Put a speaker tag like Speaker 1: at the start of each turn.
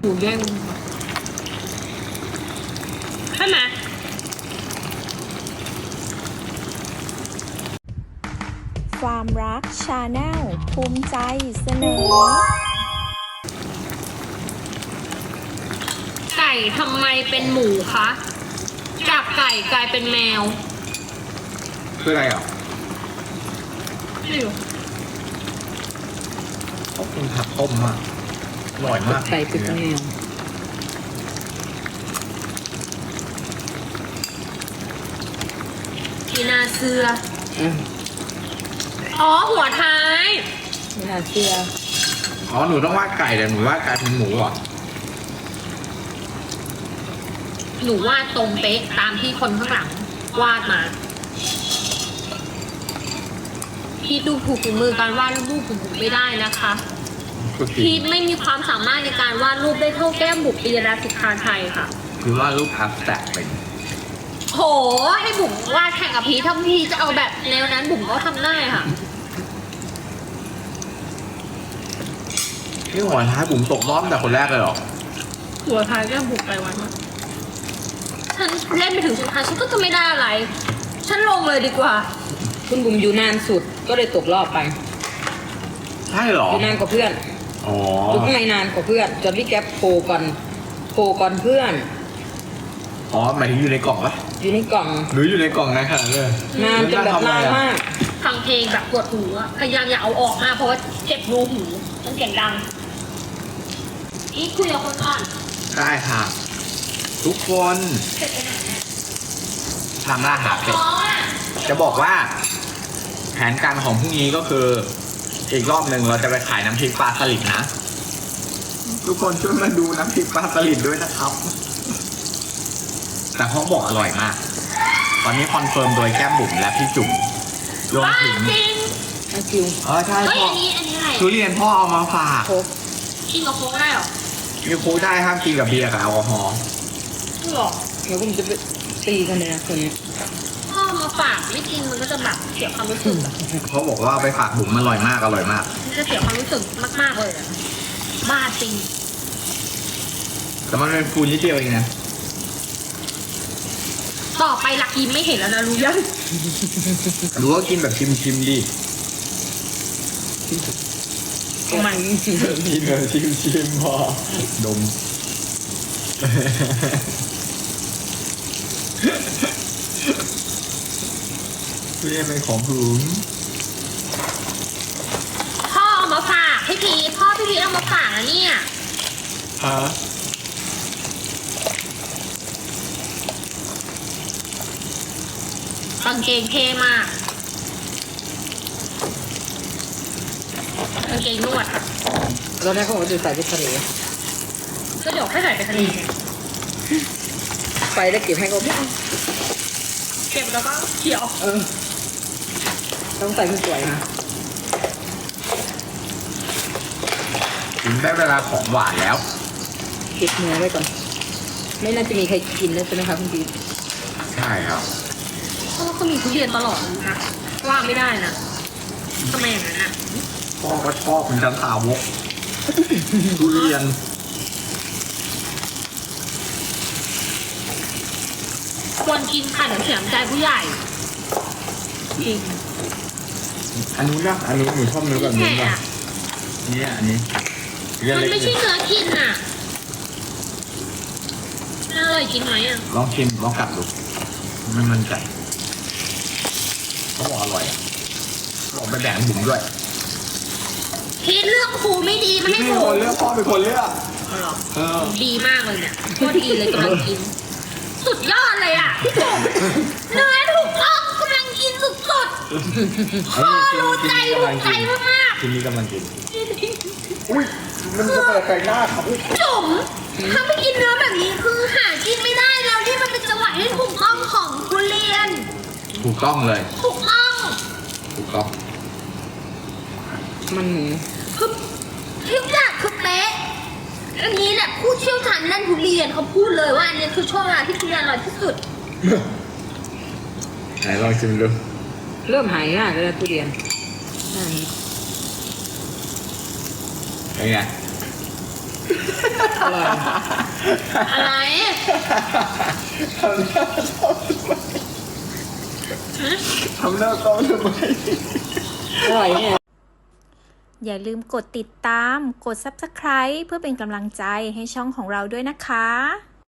Speaker 1: มูแย่งใช่ไหม
Speaker 2: ความรักชาแนลภูมิใจเสนอ
Speaker 1: ไก่ทำไมเป็นหมูคะจากไก่กลายเป็นแมว
Speaker 3: คืออะไรอ่ะ
Speaker 1: ไม่รู้
Speaker 3: เขากินผักต้มมากอร่อยมาก
Speaker 4: ไก่เป็นแมว
Speaker 1: มีนาเสืออ๋อหัวท้าย
Speaker 4: ไม่น่าเชื่อ
Speaker 3: อ๋อหนูต้องวาดไก่แต่หนูวาดกลายเป็นหมูอ่ะ
Speaker 1: หนูวาดตรงเป๊ะตามที่คนข้างหลังวาดมาพี่ดูถูกฝีมือการวาดรูปของผมไม่ได้นะคะพี่ไม่มีความสามารถในการวาดรูปได้เท่าแก้มบุ๋มปียรัตน์สุภาชัยค่ะ
Speaker 3: คือวาดรูปอัพแตกเป็น
Speaker 1: โหให้บุ๋มวาดแข่งกับพีถ้าพีจะเอาแบบแนวนั้นบุ๋มก็ทำได้ค่ะ
Speaker 3: นี่หัวท้ายบุ๋มตกรอบแต่คนแรกเลยเหรอ
Speaker 1: หัวท้ายแก้มบุ๋มไปวันมาฉันเล่นไปถึงสุดท้ายฉันก็จะไม่ได้อะไรฉันลงเลยดีกว่า
Speaker 4: คุณบุ๋มอยู่นานสุดก็เลยตกรอบไป
Speaker 3: ใช่เหรอ
Speaker 4: อยู่นานกว่าเพื่อน
Speaker 3: อ๋อ
Speaker 4: อยู่ข้างในนานกว่าเพื่อนจนพี่แก๊ปโผล่ก่อนเพื่อน
Speaker 3: อ๋อหมายถึงอยู่ในกล่องปะ
Speaker 4: อยู่ในกล่อง
Speaker 3: หรืออยู่ในกล่องนะค่ะเลย
Speaker 4: นานจนแบบนานมาก
Speaker 1: ฟังเพลงแบบปวดหูอะพยายามอย่าเอาออกมาเพราะว่าเจ็บรูหูมันเสียงดังอีกคุยกับคนก่อน
Speaker 3: ได้ค่ะทุกคนทำล่าหาเป็ดจะบอกว่าแผนการของพรุ่งนี้ก็คืออีกรอบหนึ่งเราจะไปขายน้ำพริกปลาสลิดนะทุกคนช่วยมาดูน้ำพริกปลาสลิดด้วยนะครับแต่เขาบอกอร่อยมากตอนนี้คอนเฟิร์มโดยแก้มบุ๋มและพี่จุ๋มรวมถึง
Speaker 4: คิว
Speaker 3: ใช่พ่อ
Speaker 1: อะไร
Speaker 3: ทุเรียนพ่อเอามาฝาก
Speaker 1: กินกับโค้กได้หรอ
Speaker 3: กินโค้กได้ห้ามกินกับเบียร์กับแอลกอฮอล์
Speaker 1: หรอ
Speaker 4: เดี๋ยวผมจะไปตีกันเลยนะคนนี้
Speaker 1: พ่อมาฝากไม่กินมันก็จะแบบเสียความรู้สึก
Speaker 3: เขาบอกว่าไปฝากบุ๋มอร่อยมากมัน
Speaker 1: จะเสียความรู้สึกมากๆเลยบ้าจริง
Speaker 3: แต่มันเป็นฟูนิดเดียวเองนะ
Speaker 1: ต่อไปหลักยิ้มไม่เห็นแล้วนะรู้ยัง
Speaker 3: รู้ว่ากินแบบชิมดิ
Speaker 4: มัน
Speaker 3: กินแบบชิมพอดมเรียกเป็นของถุง
Speaker 1: พ่อเอามาฝากพี่พีพ่อพี่พีเอามาฝากนะเนี่ย
Speaker 3: ฮะ
Speaker 1: กางเกงเท่มากกางเกงนวด
Speaker 4: ตอนแรกเขาบอกว่าจะใส่ไปทะเล
Speaker 1: ก็เดี๋ยวให้ใส่ไปทะเล
Speaker 4: ไปแล้วเก็บให้เขา
Speaker 1: เก็บแล้วก็เขียว
Speaker 4: ต้องใส่สวยนะ
Speaker 3: ถึงได้เวลาของหวานแล้ว
Speaker 4: เก็บเนื้อไว้ก่อนไม่น่าจะมีใครกินแล้วใช่ไหมคะคุณพี
Speaker 3: ใช่ครับ
Speaker 1: เพราะว่าเขามีทุเรียนตลอดนะว่าไม่ได้นะทำไมอย่างนั้นอ่ะ
Speaker 3: พ่อก็ชอบเป็นจันทาวกทุเรียน
Speaker 1: ควรกินค่ะเดี๋ยวเสียใจผู้ใหญ่จริง
Speaker 3: อันนู้นนะอันนู้นหนูชอบเนื้อแบบนี้ป่ะเนี่ยอันนี้
Speaker 1: มันไม่ใช่เนื้อกินอ่ะอร่อยกินไหมอ่ะ
Speaker 3: ลองชิมลองกัดดูไม่มั่นใจเขาบอกอร่อยบอกไปแบ่งบุ๋มด้วย
Speaker 1: พี่เลือกครูไม่ดีไม่ให้
Speaker 3: ผมคนเลือกพ่อเป็นคนเลือก
Speaker 1: ดีมากเลยเนี่ยโคตรดีเลยกำลังกินสุดยอดเลยอ่ะพี่จุ๋มเนื้อถูกต้องกำลังกินสุดๆพ่อรู้ใจมาก
Speaker 3: ๆทีนี้กำลังกินอุ้ยมันจะเปิดไก่หน้าครับ
Speaker 1: จุ๋มถ้าไม่กินเนื้อแบบนี้คือหากินไม่ได้แล้วที่มันเป็นจังหวะที่ถูกต้องของทุเรียน
Speaker 3: ถูกต้องเลย
Speaker 1: ถูกต้อง
Speaker 4: มัน
Speaker 1: คือทุกอย่างคือเป๊ะอันนี้แหละผู้เชี่ยวชาญด้านทุเรียนเขาพูดเลยว่าอันนี้คือช่วงเวลาที่ทุเรียนอร่อยที่สุด
Speaker 3: ไหนลองชิมดู
Speaker 4: เริ่มหายยากเลยทุเรียน
Speaker 3: เป็นไง
Speaker 4: อร่อย
Speaker 1: อะไร
Speaker 3: ทำหน้าเศร้าทำไม
Speaker 4: อร่อยเนี่ย
Speaker 2: อย่าลืมกดติดตาม กด Subscribe เพื่อเป็นกำลังใจให้ช่องของเราด้วยนะคะ